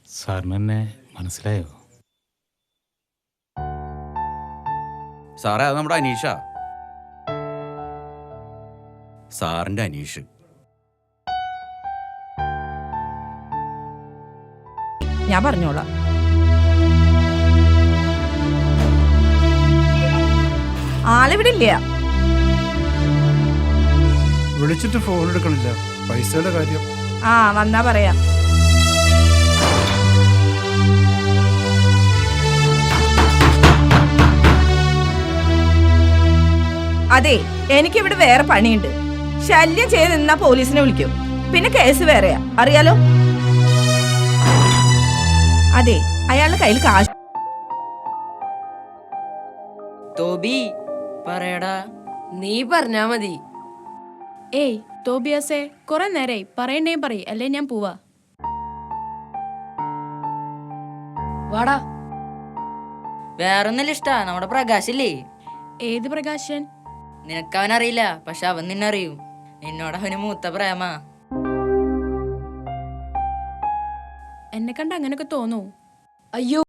സാറിന് എന്നെ മനസ്സിലായോ? സാറേ, അത് നമ്മുടെ അനീഷ, സാറിന്റെ അനീഷ്. ഞാൻ പറഞ്ഞോളാം. ആളിവിടെ ഇല്ല. വിളിച്ചിട്ട് ഫോൺ എടുക്കണില്ല. പൈസയുടെ കാര്യം. വന്നാ പറയാം. അതെ, എനിക്കിവിടെ വേറെ പണിയുണ്ട്. ശല്യം ചെയ്ത് നിന്നാ പോലീസിനെ വിളിക്കും. പിന്നെ കേസ് വേറെയാ, അറിയാലോ. അതെ, അയാളുടെ കയ്യിൽ കാശ്. തോബി പറയടാ. നീ പറഞ്ഞാ മതി. ഏയ് തോബിയാസേ, കുറെ നേരായി പറയണേ പറയ്, അല്ലേ ഞാൻ പോവാ. വാടാ. വേറൊന്നല്ല ഇഷ്ടാ, നമ്മുടെ പ്രകാശില്ലേ? ഏത് പ്രകാശൻ? നിനക്കവനറിയില്ല, പക്ഷെ അവൻ നിന്നറിയും. നിന്നോട് അവന് മൂത്ത പ്രേമ. എന്നെ കണ്ട അങ്ങനൊക്കെ തോന്നൂ? അയ്യോ,